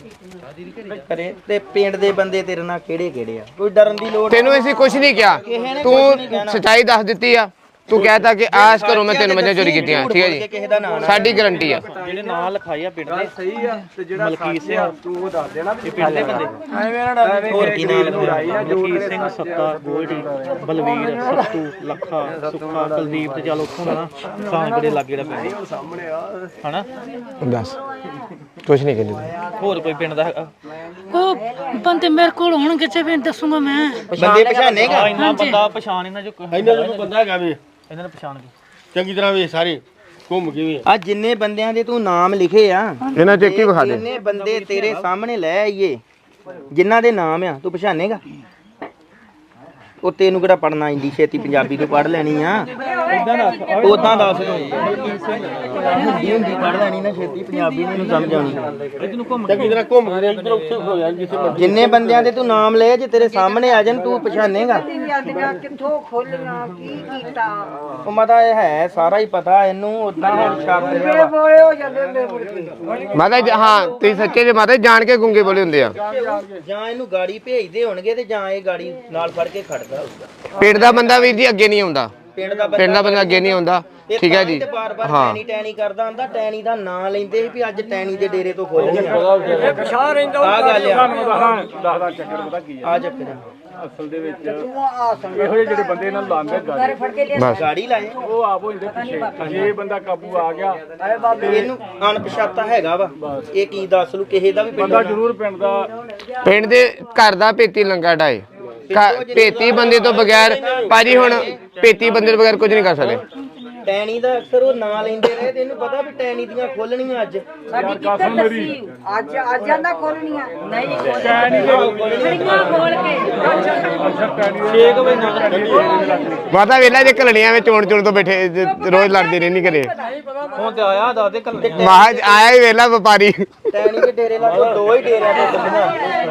S2: ਕਰੇ ਤੇ ਪਿੰਡ ਦੇ ਬੰਦੇ ਤੇਰੇ ਨਾਲ ਕਿਹੜੇ ਕਿਹੜੇ ਆ ਕੋਈ ਡਰਨ ਦੀ ਲੋੜ
S1: ਤੈਨੂੰ ਅਸੀਂ ਕੁਝ ਨਹੀਂ ਕਿਹਾ ਤੂੰ ਸੱਚਾਈ ਦੱਸ ਦਿੱਤੀ ਆ ਤੂੰ ਕਹਿਤਾ ਕਿ ਆਸ ਕਰੋ ਮੈਂ 3 ਮੱਝਾਂ ਚੋਰੀ ਕੀਤੀਆਂ ਠੀਕ ਹੈ ਜੀ ਸਾਡੀ ਗਾਰੰਟੀ ਆ
S2: ਜਿਹੜੇ ਨਾਂ ਲਿਖਾਏ ਆ ਪਿੰਡ ਦੇ
S3: ਸਹੀ ਆ ਤੇ ਜਿਹੜਾ ਮਲਕੀਤ ਸਿੰਘ ਤੂੰ ਉਹ ਦੱਸ ਦੇਣਾ
S2: ਇਹ ਪਿੰਡ ਦੇ ਬੰਦੇ ਹੋਰ ਕੀ ਨਾਂ ਲਿਖਾਇਆ
S6: ਮਲਕੀਤ ਸਿੰਘ ਸੱਤਾ ਗੋਲਡੀ ਬਲਵੀਰ ਸੱਤੂ ਲੱਖਾ ਸੁੱਖਾ ਕੁਲਦੀਪ ਤੇ ਚੱਲ ਉੱਥੋਂ ਦਾ ਨਾ ਸਾਂਗੜੇ ਲਾਗੇ ਦਾ ਪਿੰਡ
S3: ਸਾਹਮਣੇ ਆ
S6: ਹਨਾ
S1: ਦੱਸ ਕੁਝ ਨਹੀਂ ਕਹਿੰਦੇ
S6: ਹੋਰ ਕੋਈ ਪਿੰਡ ਦਾ ਹੈਗਾ
S4: वो बंदे मेरे को होंगे जब दसूंगा मैं
S2: ਬੰਦੇ ਪਛਾਣੇਗਾ
S6: ਇੰਨਾ ਬੰਦਾ ਪਛਾਣ ਇਹਨਾਂ ਜੋ
S5: ਇਹਨਾਂ ਦਾ ਬੰਦਾ ਹੈਗਾ ਵੀ
S6: ਇਹਨਾਂ ਨੇ ਪਛਾਣ ਕੇ
S5: ਚੰਗੀ ਤਰ੍ਹਾਂ ਵੇ ਸਾਰੇ ਘੁੰਮ ਕੇ ਵੀ
S2: ਆ ਜਿੰਨੇ ਬੰਦਿਆਂ ਦੇ ਤੂੰ ਨਾਮ ਲਿਖੇ ਆ
S1: ਇਹਨਾਂ ਚ ਕੀ ਵਿਖਾ ਦੇ
S2: ਜਿੰਨੇ ਬੰਦੇ ਤੇਰੇ ਸਾਹਮਣੇ ਲੈ ਆਈਏ ਜਿਨ੍ਹਾਂ ਦੇ ਨਾਮ ਆ ਤੂੰ ਪਛਾਣੇਗਾ ਉਹ ਤੈਨੂੰ ਕਿਹੜਾ ਪੜਨਾ ਆਂਦੀ ਛੇਤੀ ਪੰਜਾਬੀ ਤੋਂ ਪੜ ਲੈਣੀ ਆ ਉਦਾਂ ਦੱਸ ਤੂੰ ਹਿੰਦੀ ਹੁੰਦੀ ਪੜ ਲੈਣੀ ਨਾ ਛੇਤੀ ਪੰਜਾਬੀ ਨਹੀਂ ਸਮਝ ਆਉਣੀ
S5: ਚੰਗੀ ਤਰ੍ਹਾਂ ਘੁੰਮ ਕੇ ਇੱਧਰ ਉੱਥੇ ਹੋ ਜਾ ਜਿੱਥੇ ਮਰਜ਼ੀ
S2: ਜਿੰਨੇ ਬੰਦਿਆਂ ਦੇ ਤੂੰ ਨਾਮ ਲਏ ਜੇ ਤੇਰੇ ਸਾਹਮਣੇ ਆ ਜਾਣ ਤੂੰ ਪਛਾਣੇਗਾ
S7: ਕਿੱਥੋਂ ਖੋਲੀਆਂ ਕੀ ਕੀਤਾ
S2: ਉਹ ਮਤਾ ਇਹ ਹੈ ਸਾਰਾ ਹੀ ਪਤਾ ਇਹਨੂੰ ਉਦਾਂ ਹੁਣ ਛੱਡ ਰਿਹਾ ਵਾ।
S7: ਹੋਏ ਹੋ ਜਾਂਦੇ ਨੇ ਮੁੜ ਕੇ
S1: ਮਾਤਾ ਜੀ ਹਾਂ ਤੁਸੀਂ ਸੱਚੇ ਜੇ ਮਾਤਾ ਜੀ ਜਾਣ ਕੇ ਗੁੰਗੇ ਬੋਲੇ ਹੁੰਦੇ ਆ
S2: ਜਾਂ ਇਹਨੂੰ ਗਾੜੀ ਭੇਜਦੇ ਹੋਣਗੇ ਤੇ ਜਾਂ ਇਹ ਗਾੜੀ ਨਾਲ ਫੜ ਕੇ ਖੜਦਾ ਹੋਊਗਾ
S1: ਪਿੰਡ ਦਾ ਬੰਦਾ ਵੀਰ ਜੀ ਅੱਗੇ ਨਹੀਂ ਆਉਂਦਾ
S2: ਪਿੰਡ ਦਾ
S1: ਪਿੰਡ ਦਾ ਬੰਦਾ ਅੱਗੇ ਨਹੀਂ ਆਉਂਦਾ ਠੀਕ ਹੈ ਜੀ ਹਾਂ
S2: ਟੈਣੀ ਟੈਣੀ ਕਰਦਾ ਹੁੰਦਾ ਟੈਣੀ ਦਾ ਨਾਂ ਲੈਂਦੇ ਸੀ ਵੀ ਅੱਜ ਟੈਣੀ ਦੇ ਡੇਰੇ ਤੋਂ ਖੋਲ੍ਹਣੀਆਂ
S3: ਪਛਾਣ ਰਹਿੰਦਾ
S2: ਆ ਗੱਲ ਆ
S3: ਦੱਸਦਾ ਚੱਕਰ ਪਤਾ ਕੀ ਆ
S2: ਆ ਚੱਕਰ
S3: ਅਸਲ ਦੇ ਵਿੱਚ ਇਹੋ ਜਿਹੇ ਜਿਹੜੇ ਬੰਦੇ ਇਹਨਾਂ ਨੂੰ ਲਾਉਂਦੇ ਗਾੜੀ
S7: ਫੜ ਕੇ ਲਿਆ
S1: ਬਸ
S2: ਗਾੜੀ ਲਾਏ
S3: ਉਹ ਆਪ ਹੋ ਜਾਂਦੇ ਪਿੱਛੇ ਜੇ ਬੰਦਾ ਕਾਬੂ ਆ ਗਿਆ
S2: ਇਹਨੂੰ ਅਣਪਛਾਤਾ ਹੈਗਾ ਵਾ ਇਹ ਕੀ ਦੱਸ ਲੂ ਕਿਸੇ ਦਾ ਵੀ ਪਿੰਡ
S3: ਬੰਦਾ ਜ਼ਰੂਰ ਪਿੰਡ ਦਾ
S1: ਪਿੰਡ ਦੇ ਘਰ ਦਾ ਪੇਤੀ ਲੰਗਾ ਢਾਏ ਪੇਤੀ ਬੰਦੇ ਤੋਂ ਬਗੈਰ ਭਾਜੀ ਹੁਣ ਪੇਤੀ ਬੰਦੇ ਤੋਂ ਬਗੈਰ ਕੁਝ ਨਹੀਂ ਕਰ ਸਕਦੇ
S2: ਟੈਣੀ ਦਾ ਅਕਸਰ ਉਹ ਨਾਂ ਲੈਂਦੇ ਰਹੇ ਤੇ ਇਹਨੂੰ ਪਤਾ ਵੀ ਟੈਣੀ ਦੀਆਂ ਖੋਲਣੀਆਂ ਅੱਜ
S7: ਸਾਡੀ ਕਿੱਧਰ ਦੱਸੀ ਅੱਜ ਜਾਂਦਾ ਖੋਲਣੀਆਂ ਨਹੀਂ ਖੜੀਆਂ ਖੋਲ ਕੇ
S2: 6 ਵਜੇ ਨਾਲ
S1: ਮਾਤਾ ਵੇਲਾ ਜੇ ਘਲੜੀਆਂ ਵਿੱਚ ਚੋਣ ਤੋਂ ਬੈਠੇ ਰੋਜ਼ ਲੜਦੇ ਰਹਿੰਦੀ ਘਰੇ
S6: ਹੁਣ ਤੇ ਆਇਆ ਦੱਸ ਦੇ ਕੱਲ
S1: ਮਹਾਜ ਆਇਆ ਹੀ ਵੇਲਾ ਵਪਾਰੀ
S2: ਟੈਣੀ ਦੇ ਡੇਰੇ ਲਾ ਕੇ 2 ਹੀ ਡੇਰਿਆਂ ਤੋਂ ਕੱਢੀਆਂ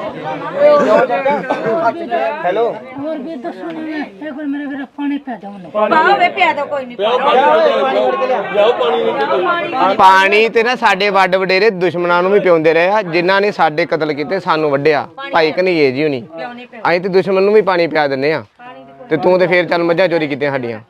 S2: ਹੈਲੋ
S4: ਹੋਰ ਵੀ ਦੱਸੋ ਨਾ ਇਹ ਕੋਲ ਮੇਰੇ ਵੀਰ ਪਾਣੀ ਪੈ ਜਾਉਂ
S7: ਪਾਵੇ ਪਿਆ ਤਾਂ ਕੋਈ ਨਹੀਂ
S2: ਪਾਣੀ ਵੜ ਕੇ ਲਿਆ
S1: ਪਾਣੀ ਤੇ ਨਾ ਸਾਡੇ ਵੱਡ ਵਡੇਰੇ ਦੁਸ਼ਮਣਾਂ ਨੂੰ ਵੀ ਪਿਉਂਦੇ ਰਹੇ ਆ ਜਿਨ੍ਹਾਂ ਨੇ ਸਾਡੇ ਕਤਲ ਕੀਤੇ ਸਾਨੂੰ ਵੱਢਿਆ ਭਾਈ ਕਨਈਏ ਜੀ ਹੁਣੀ ਅਸੀਂ ਤੇ ਦੁਸ਼ਮਣ ਨੂੰ ਵੀ ਪਾਣੀ ਪਿਆ ਦਿੰਨੇ ਆ ਤੇ ਤੂੰ ਤੇ ਫੇਰ ਚੱਲ ਮੱਝਾਂ ਚੋਰੀ ਕੀਤੀਆਂ ਸਾਡੀਆਂ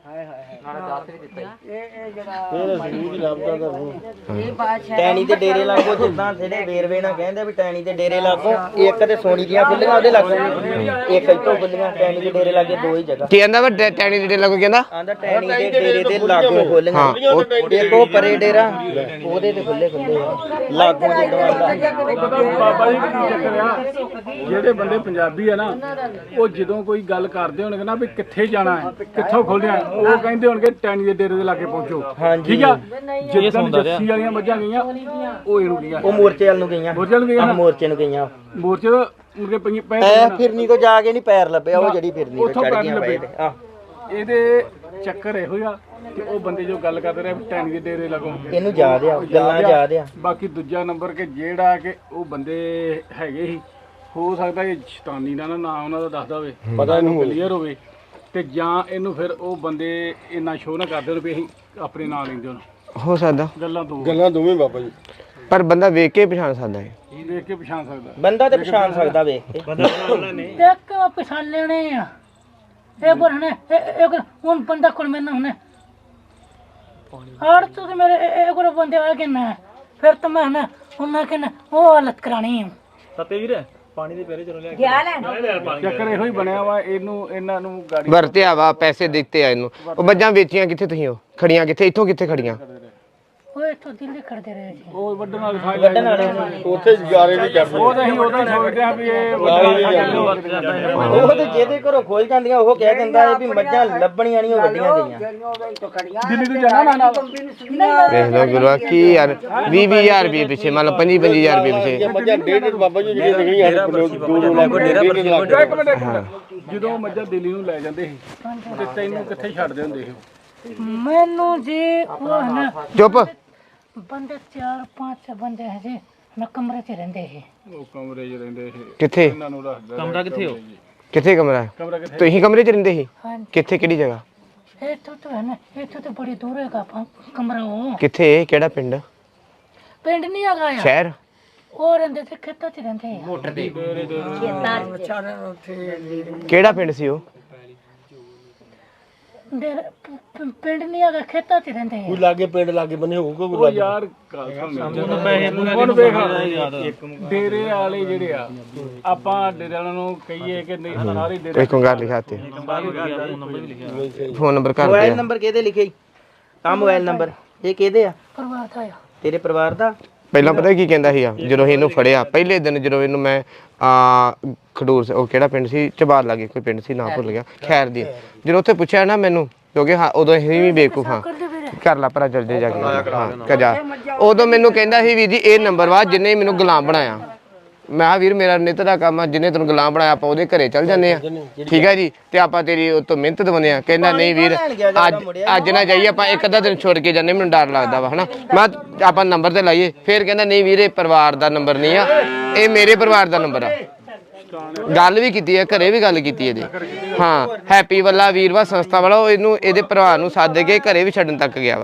S2: ਟੈਣੀ ਦੇ ਡੇਰੇ ਲਾਗੋ ਜਿੱਦਾਂ ਜਿਹੜੇ ਵੇਰਵੇ ਨਾਲ ਕਹਿੰਦੇ ਵੀ ਟੈਣੀ ਦੇ ਡੇਰੇ ਲਾਗੋ ਇੱਕ ਤੇ ਸੋਨੀ ਦੀਆਂ ਖੁੱਲੀਆਂ ਉਹਦੇ ਲਾਗੋ ਇੱਕ ਇੱਥੋਂ ਖੁੱਲੀਆਂ ਟੈਣੀ ਦੇ ਡੇਰੇ ਲਾਗੇ 2 ਹੀ ਜਗ੍ਹਾ
S1: ਕੀ ਕਹਿੰਦਾ ਵਾ ਟੈਣੀ ਦੇ ਡੇਰੇ ਲੱਗੋ ਕਹਿੰਦਾ
S2: ਆਂਦਾ ਟੈਣੀ ਦੇ ਡੇਰੇ ਦੇ ਲਾਗੋ ਖੋਲੀਆਂ ਇੱਕ ਉਹ ਪਰੇ ਡੇਰਾ ਉਹਦੇ ਤੇ ਖੁੱਲੇ ਲਾਗੋ ਜਿੱਦਾਂ ਆਂਦਾ
S3: ਬਾਬਾ ਜੀ ਕੀ ਚੱਕਰ ਆ ਜਿਹੜੇ ਬੰਦੇ ਪੰਜਾਬੀ ਆ ਨਾ ਉਹ ਜਦੋਂ ਕੋਈ ਗੱਲ ਕਰਦੇ ਹੋਣਗੇ ਨਾ ਵੀ ਕਿੱਥੇ ਜਾਣਾ ਹੈ ਕਿੱਥੋਂ ਖੋਲ੍ਹਣਾ ਹੈ ਉਹ ਕਹਿੰਦੇ ਹੋਣਗੇ ਟੈਣੀ ਦੇ ਡੇਰੇ ਦੇ ਲਾਗੇ ਪਹੁੰਚੋ ਠੀਕ ਆ ਜਿੱਦਾਂ ਜੱਸੀ ਵਾਲੀਆਂ ਮੱਝਾਂ ਗਈਆਂ ਉਹ ਇਹਨੂੰ ਗਈਆਂ
S2: ਉਹ ਮੋਰਚੇ ਵੱਲ ਨੂੰ ਗਈਆਂ
S3: ਮੋਰਚੇ ਨੂੰ ਗਈਆਂ ਨਾ
S2: ਮੋਰਚੇ ਨੂੰ ਗਈਆਂ
S3: ਮੋਰਚੇ ਤੋਂ ਮੁਰਗੇ ਪਈ ਪੈ
S2: ਐ ਫਿਰਨੀ ਤੋਂ ਜਾ ਕੇ ਨਹੀਂ ਪੈਰ ਲੱਭਿਆ ਉਹ ਜਿਹੜੀ ਫਿਰਨੀ ਤੋਂ
S3: ਉੱਥੋਂ
S2: ਚੜ
S3: ਪੈਰ
S2: ਗਈਆਂ
S3: ਲੱਭੇ।
S2: ਪਏ ਆ
S3: ਇਹਦੇ ਚੱਕਰ ਇਹੋ ਆ ਕਿ ਉਹ ਬੰਦੇ ਜੋ ਗੱਲ ਕਰਦੇ ਰਹੇ ਟੈਣੀ ਦੇ ਡੇਰੇ ਲੱਗੋ
S2: ਇਹਨੂੰ ਯਾਦ ਆ ਗੱਲਾਂ ਯਾਦ ਆ
S3: ਬਾਕੀ ਦੂਜਾ ਨੰਬਰ ਕਿ ਜਿਹੜਾ ਕਿ ਉਹ ਬੰਦੇ ਹੈਗੇ ਸੀ ਹੋ ਸਕਦਾ ਕਿ ਸ਼ੈਤਾਨੀ ਦਾ ਨਾ ਉਹਨਾਂ ਦਾ ਦੱਸਦਾ ਹੋਵੇ ਪਤਾ ਇਹਨੂੰ ਕਲੀਅਰ ਹੋਵੇ ਤੇ ਜਾਂ ਇਹਨੂੰ ਫਿਰ ਉਹ ਬੰਦੇ ਇੰਨਾ ਸ਼ੋਅ ਨਾ ਕਰਦੇ ਹੋਣ ਵੀ ਅਸੀਂ ਆਪਣੇ ਨਾਂ ਲੈਂਦੇ ਹੋਣ
S1: ਹੋ ਸਕਦਾ
S3: ਗੱਲਾਂ
S5: ਦੋਵੇਂ ਬਾਬਾ ਜੀ
S1: ਪਰ ਬੰਦਾ ਵੇਖ ਕੇ ਪਛਾਣ ਸਕਦਾ ਹੈ
S3: ਦੇਖ ਕੇ ਪਛਾਣ ਸਕਦਾ
S2: ਬੰਦਾ ਤੇ ਪਛਾਣ ਸਕਦਾ ਵੇਖ ਕੇ
S4: ਦੇਖ ਕੇ ਪਛਾਣ ਲੈਣੇ ਆ ਇਹ ਬਰ ਹਨੇ ਇੱਕ ਹੁਣ ਬੰਦਾ ਕੋਲ ਮੈਨਾਂ ਹਨੇ ਹਰ ਤੋਂ ਮੇਰੇ ਇਹ ਕੋਲ ਬੰਦੇ ਆ ਕੇ ਨਾ ਫਿਰ ਤਾਂ ਮੈਂ ਨਾ ਉਹਨਾਂ ਕੇ ਨਾ ਉਹ ਹਾਲਤ ਕਰਾਣੀ ਹੈ
S6: ਸੱਤੇ ਵੀਰ ਪਾਣੀ ਦੇ ਪੈਰੇ ਚਲੋ ਲਿਆ
S7: ਗਿਆ ਲੈਣ
S3: ਚੱਕਰ ਇਹੋ ਹੀ ਬਣਿਆ ਵਾ ਇਹਨਾਂ ਨੂੰ ਗਾੜੀ
S1: ਵਰਤਿਆ ਵਾ ਪੈਸੇ ਦਿੱਤੇ ਆ ਇਹਨੂੰ ਉਹ ਮੱਝਾਂ ਵੇਚੀਆਂ ਕਿੱਥੇ ਤੁਸੀਂ ਉਹ ਖੜੀਆਂ ਕਿੱਥੇ ਇੱਥੋਂ ਕਿੱਥੇ ਖੜੀਆਂ
S4: ਉਹ ਇੱਥੋਂ ਦਿੱਲੀ ਖੜਦੇ ਰਹੇ ਜੀ
S3: ਉਹ ਵੱਢਣ ਵਾਲੇ ਖਾਈ
S2: ਵੱਢਣ ਵਾਲੇ
S5: ਉੱਥੇ ਜਾਰੇ ਨਹੀਂ ਕਰਦੇ
S3: ਉਹ ਤਾਂ ਅਸੀਂ ਉਹਦਾ ਹੀ ਸੋਚਦੇ ਆ ਵੀ ਇਹ
S2: ਉਹ ਤੇ ਜਿਹਦੇ ਘਰੋਂ ਖੋਲ ਜਾਂਦੀਆਂ ਉਹ ਕਹਿ ਦਿੰਦਾ ਹੈ ਵੀ ਮੱਝਾਂ ਲੱਭਣੀਆਂ ਨਹੀਂ ਉਹ ਵੱਡੀਆਂ ਗਈਆਂ
S3: ਦਿੱਲੀ ਤੋਂ ਜਾਣਾ ਨਾ
S1: ਵੇਖ ਲਓ ਗੁਰੂਆ ਕੀ ਯਾਰ 20,000 ਰੁਪਏ ਪਿੱਛੇ ਮੰਨ ਲਓ 25,000 ਰੁਪਏ ਪਿੱਛੇ
S5: ਮੱਝਾਂ ਡੇਢ ਬਾਬਾ ਜੀ ਜਿਹੜੀਆਂ ਨਿਕਲੀਆਂ
S3: ਇੱਕ ਮਿੰਟ ਜਦੋਂ ਮੱਝਾਂ ਦਿੱਲੀ ਨੂੰ ਲੈ ਜਾਂਦੇ ਸੀ ਤੇ ਤੈਨੂੰ ਕਿੱਥੇ ਛੱਡਦੇ ਹੁੰਦੇ ਸੀ
S4: ਮੈਨੂੰ ਜੀ ਉਹ ਨਾ
S1: ਚੁੱਪ
S4: ਬੰਦੇ 4-5 ਬੰਦੇ ਹੈ ਜੀ ਮੈਂ ਕਮਰੇ 'ਚ ਰਹਿੰਦੇ ਸੀ
S3: ਉਹ ਕਮਰੇ 'ਚ ਰਹਿੰਦੇ ਸੀ
S1: ਕਿੱਥੇ
S3: ਇਹਨਾਂ ਨੂੰ ਰੱਖਦਾ
S6: ਕਮਰਾ ਕਿੱਥੇ ਹੋ
S1: ਕਿੱਥੇ ਕਮਰਾ ਹੈ
S3: ਕਮਰਾ ਕਿੱਥੇ
S1: ਤੁਸੀਂ ਕਮਰੇ 'ਚ ਰਹਿੰਦੇ ਸੀ
S4: ਹਾਂਜੀ
S1: ਕਿੱਥੇ ਕਿਹੜੀ ਜਗ੍ਹਾ
S4: ਇੱਥੋਂ ਤੋਂ ਹੈ ਨਾ ਇੱਥੋਂ ਤੋਂ ਬੜੀ ਦੂਰ ਹੈਗਾ ਕਮਰਾ ਉਹ
S1: ਕਿੱਥੇ ਕਿਹੜਾ ਪਿੰਡ
S4: ਪਿੰਡ ਨਹੀਂ ਹੈਗਾ ਆ
S1: ਸ਼ਹਿਰ
S4: ਉਹ ਰਹਿੰਦੇ ਤੇ ਖੇਤਾਂ 'ਚ ਰਹਿੰਦੇ ਆ
S2: ਮੋਟਰ ਦੇ
S1: ਕਿਹੜਾ ਪਿੰਡ ਸੀ ਉਹ
S4: ਪਿੰਡ ਨਹੀਂ ਹੈਗਾ ਖੇਤਾਂ 'ਚ ਰਹਿੰਦੇ ਆ
S5: ਲਾਗੇ ਪਿੰਡ ਲਾਗੇ ਬੰਨੇ ਹੋਊਗਾ
S3: ਉਹ ਯਾਰ ਗੱਲ ਸੁਣ ਹੁਣ ਵੇਖ ਡੇਰੇ ਵਾਲੇ ਜਿਹੜੇ ਆ ਆਪਾਂ ਡੇਰੇ ਵਾਲਿਆਂ ਨੂੰ ਕਹੀਏ ਕਿ ਨਹੀਂ ਸਾਰੇ ਡੇਰੇ
S1: ਕੋਈ ਕੰਗਾਰ ਲਿਖਾਤੇ ਫੋਨ ਨੰਬਰ ਕਰ
S2: ਮੋਬਾਈਲ
S1: ਦੇ
S2: ਨੰਬਰ ਕਿਹਦੇ ਲਿਖੇ ਆ ਮੋਬਾਈਲ ਨੰਬਰ ਇਹ ਕਿਹਦੇ ਆ
S4: ਪਰਿਵਾਰ ਦਾ ਆ
S2: ਤੇਰੇ ਪਰਿਵਾਰ ਦਾ
S1: ਪਹਿਲਾਂ ਪਤਾ ਕੀ ਕਹਿੰਦਾ ਸੀਗਾ ਜਦੋਂ ਇਹਨੂੰ ਫੜਿਆ ਪਹਿਲੇ ਦਿਨ ਜਦੋਂ ਇਹਨੂੰ ਮੈਂ ਖਡੂਰ ਉਹ ਕਿਹੜਾ ਪਿੰਡ ਸੀ ਚਬਾਰ ਲਾਗੇ ਕੋਈ ਪਿੰਡ ਸੀ ਨਾਂ ਭੁੱਲ ਗਿਆ ਖੈਰ ਦੀ ਜਦੋਂ ਉੱਥੇ ਪੁੱਛਿਆ ਨਾ ਮੈਨੂੰ ਕਿਉਂਕਿ ਹਾਂ ਉਦੋਂ ਅਸੀਂ ਵੀ ਬੇਵਕੂਫ ਹਾਂ ਕਰ ਲਾ ਭਰਾ ਜਲਦੀ ਜਾ ਕੇ ਹਾਂ ਕਜਾ ਉਦੋਂ ਮੈਨੂੰ ਕਹਿੰਦਾ ਸੀ ਵੀਰ ਜੀ ਇਹ ਨੰਬਰ ਵਾ ਜਿੰਨੇ ਮੈਨੂੰ ਗੁਲਾਮ ਬਣਾਇਆ ਮੈਂ ਕਿਹਾ ਵੀਰ ਮੇਰਾ ਨਿੱਤ ਦਾ ਕੰਮ ਆ ਜਿੰਨੇ ਤੈਨੂੰ ਗੁਲਾਮ ਬਣਾਇਆ ਆਪਾਂ ਉਹਦੇ ਘਰੇ ਚੱਲ ਜਾਂਦੇ ਆ ਠੀਕ ਹੈ ਜੀ ਤੇ ਆਪਾਂ ਤੇਰੀ ਉਹ ਤੋਂ ਮਿਹਨਤ ਦਵਾਉਂਦੇ ਆ ਕਹਿੰਦਾ ਨਹੀਂ ਵੀਰ ਅੱਜ ਨਾ ਜਾਈਏ ਆਪਾਂ ਇੱਕ ਅੱਧਾ ਦਿਨ ਛੋੜ ਕੇ ਜਾਂਦੇ ਮੈਨੂੰ ਡਰ ਲੱਗਦਾ ਵਾ ਹਨਾ ਮੈਂ ਆਪਾਂ ਨੰਬਰ ਤੇ ਲਾਈਏ ਫਿਰ ਕਹਿੰਦਾ ਨਹੀਂ ਵੀਰ ਇਹ ਪਰਿਵਾਰ ਦਾ ਨੰਬਰ ਨਹੀਂ ਆ ਇਹ ਮੇਰੇ ਪਰਿਵਾਰ ਦਾ ਨੰਬਰ ਆ ਗੱਲ ਵੀ ਕੀਤੀ ਹੈ ਘਰੇ ਵੀ ਗੱਲ ਕੀਤੀ ਇਹਦੇ ਹਾਂ ਹੈਪੀ ਵੱਲਾ ਵੀਰਵਾ ਸੰਸਥਾ ਵਾਲਾ ਉਹ ਇਹਨੂੰ ਇਹਦੇ ਭਰਾ ਨੂੰ ਸੱਦ ਕੇ ਘਰੇ ਵੀ ਛੱਡਣ ਤੱਕ ਗਿਆ ਵਾ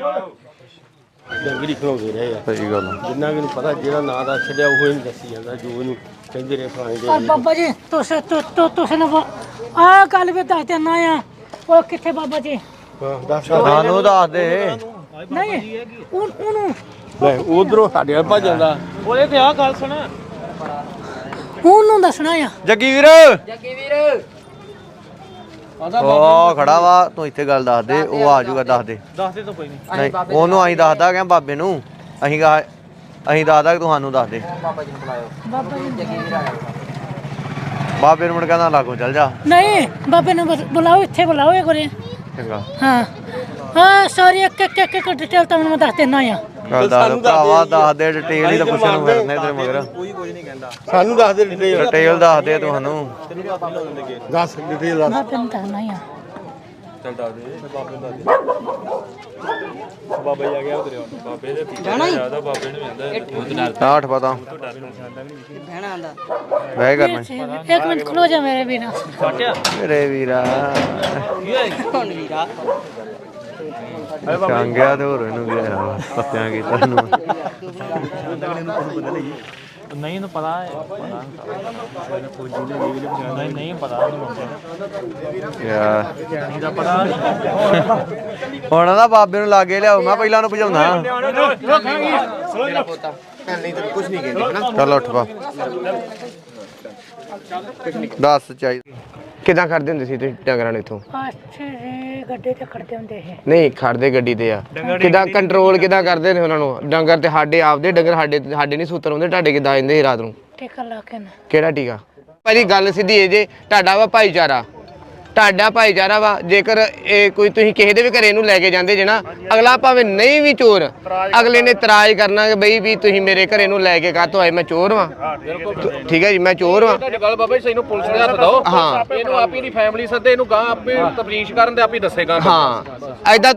S5: ਡੰਗਰੀ ਖਲਾਉਂਦੇ ਰਹੇ ਆ ਸਹੀ ਗੱਲ ਜਿੰਨਾ ਕਿ ਨੂੰ ਪਤਾ ਜਿਹੜਾ ਨਾਂ ਦਾ ਛੱਡਿਆ ਉਹ ਹੀ ਦੱਸੀ ਜਾਂਦਾ ਜੋ ਇਹਨੂੰ ਕਹਿੰਦੇ ਰਹੇ ਫਲਾਣੇ
S4: ਔਰ ਬਾਬਾ ਜੀ ਤੁਸੀਂ ਨਾ ਆ ਗੱਲ ਵੀ ਦੱਸ ਦੇਣਾ ਆ ਉਹ ਕਿੱਥੇ ਬਾਬਾ ਜੀ
S5: ਸਾਨੂੰ ਦੱਸ ਦੇ
S4: ਨਹੀਂ ਉਹਨੂੰ
S5: ਲੈ ਉਧਰੋਂ ਸਾਡੇ ਵੱਲ ਭੱਜ ਜਾਂਦਾ
S6: ਉਹਦੇ ਤੇ ਆ ਗੱਲ ਸੁਣ
S4: ਉਹਨੂੰ ਦੱਸਣਾ ਆ
S8: ਜੱਗੀ ਵੀਰ ਉਹ ਖੜਾ ਵਾ ਤੂੰ ਇੱਥੇ ਗੱਲ ਦੱਸ ਦੇ ਉਹ ਆ ਜਾਊਗਾ ਦੱਸ ਦੇ
S6: ਦੱਸ ਦੇ ਤਾਂ ਕੋਈ ਨਹੀਂ
S8: ਨਹੀਂ ਉਹਨੂੰ ਅਸੀਂ ਦੱਸਦਾ ਕਿ ਬਾਬੇ ਨੂੰ ਅਸੀਂ ਦੱਸਦਾ ਕਿ ਤੂੰ ਸਾਨੂੰ ਦੱਸ ਦੇ
S4: ਬਾਬਾ ਜੀ
S8: ਬਾਬੇ ਨੂੰ ਮੁੜ ਕਹਿੰਦਾ ਲਾਗੋ ਚੱਲ ਜਾ
S4: ਨਹੀਂ ਬਾਬੇ ਨੂੰ ਬੁਲਾਓ ਇੱਥੇ ਬੁਲਾਓ ਇਹ ਕੋਲੇ
S8: ਚੰਗਾ
S4: ਹਾਂ ਹਾਂ ਸੌਰੀ ਇੱਕ ਡਿਟੇਲ ਤੁਹਾਨੂੰ ਮੈਂ ਦੱਸ ਦਿੰਦਾ ਆ
S8: ਗੱਲ ਦੱਸ ਭਰਾਵਾ, ਦੱਸ ਦੇ ਡਿਟੇਲ ਹੀ ਤਾਂ ਪੁੱਛਣ ਨੂੰ ਫਿਰਨੇ ਤੇਰੇ ਮਗਰ।
S5: ਸਾਨੂੰ ਦੱਸ ਦੇ ਡਿਟੇਲ
S8: ਡਿਟੇਲ ਦੱਸ ਦੇ ਤੁਹਾਨੂੰ।
S5: ਦੱਸ ਡਿਟੇਲ ਦੱਸ।
S4: ਮੈਂ ਤੈਨੂੰ ਦੱਸਣਾ ਆ
S8: ਆਠ ਪਤਾ ਬਹਿ ਕਰਨਾ
S4: ਇੱਕ ਮਿੰਟ ਖਲੋ ਜਾ ਮੇਰੇ ਬਿਨਾ
S8: ਮੇਰੇ ਵੀਰਾ ਚੰਗਿਆ ਤੇ ਹੋਰ ਇਹਨੂੰ ਗਿਆ ਪੱਤਿਆਂ ਕੀਤਾ ਇਹਨੂੰ
S6: ਨਹੀਂ ਇਹਨੂੰ ਪਤਾ ਹੈ ਨਹੀਂ ਪਤਾ
S8: ਯਾਰ
S6: ਨਹੀਂ ਦਾ ਪਤਾ
S8: ਹੁਣ ਨਾ ਬਾਬੇ ਨੂੰ ਲਾਗੇ ਲਿਆਓ, ਮੈਂ ਪਹਿਲਾਂ ਉਹਨੂੰ ਭਜਾਉਣਾ।
S1: ਕੁਝ ਨਹੀਂ ਕਹਿੰਦੀ
S8: ਚੱਲ ਉੱਠ ਪਾ ਦੱਸ ਚਾਹੀਦਾ
S1: ਕਿਦਾਂ ਕਰਦੇ ਹੁੰਦੇ ਸੀ ਤੁਸੀਂ ਡੰਗਰਾਂ ਨੂੰ ਇੱਥੋਂ?
S4: ਅੱਛੇ ਜੀ ਗੱਡੇ ਤੇ ਖੜਦੇ ਹੁੰਦੇ ਸੀ
S1: ਨਹੀਂ ਖੜਦੇ ਗੱਡੀ ਤੇ ਆ ਕਿਦਾਂ ਕੰਟਰੋਲ ਕਿਦਾਂ ਕਰਦੇ ਨੇ ਉਹਨਾਂ ਨੂੰ? ਡੰਗਰ ਤੇ ਸਾਡੇ ਆਪਦੇ ਡੰਗਰ ਸਾਡੇ ਨਹੀਂ ਸੂਤਰ ਹੁੰਦੇ, ਤੁਹਾਡੇ ਕਿਦਾਂ ਆਉਂਦੇ ਸੀ ਰਾਤ ਨੂੰ?
S4: ਟਿਕਾ ਲਾ ਕੇ ਨਾ
S1: ਕਿਹੜਾ ਟੀਕਾ? ਭਾਜੀ ਗੱਲ ਸਿੱਧੀ ਇਹ ਜੇ ਤੁਹਾਡਾ ਵਾ ਭਾਈਚਾਰਾ, ਤੁਹਾਡਾ ਭਾਈਚਾਰਾ ਵਾ। ਜੇਕਰ ਇਹ ਕੋਈ ਤੁਸੀਂ ਕਿਸੇ ਦੇ ਵੀ ਘਰੇ ਇਹਨੂੰ ਲੈ ਕੇ ਜਾਂਦੇ ਜੇ ਨਾ, ਅਗਲਾ ਭਾਵੇਂ ਨਹੀਂ ਵੀ ਚੋਰ, ਅਗਲੇ ਨੇ ਇਤਰਾਜ਼ ਕਰਨਾ ਕਿ ਬਈ ਵੀ ਤੁਸੀਂ ਮੇਰੇ ਘਰੇ ਨੂੰ ਲੈ ਕੇ ਕਾਹਤੋਂ ਆਏ, ਮੈਂ ਚੋਰ ਵਾਂ। ਠੀਕ ਹੈ ਜੀ, ਮੈਂ ਚੋਰ ਵਾਂ।
S9: ਗੱਲ ਬਾਬਾ ਜੀ, ਇਹਨੂੰ ਪੁਲਿਸ ਦੇ ਹੱਥ ਦਿਓ।
S1: ਹਾਂ
S9: ਇਹਨੂੰ ਆਪੀ ਦੀ ਫੈਮਿਲੀ ਸੱਦੇ, ਇਹਨੂੰ ਗਾਂ ਆਪੇ ਤਫਤੀਸ਼ ਕਰਨ ਤੇ ਆਪੇ ਦੱਸੇਗਾ।
S1: ਹਾਂ ਐਦਾਂ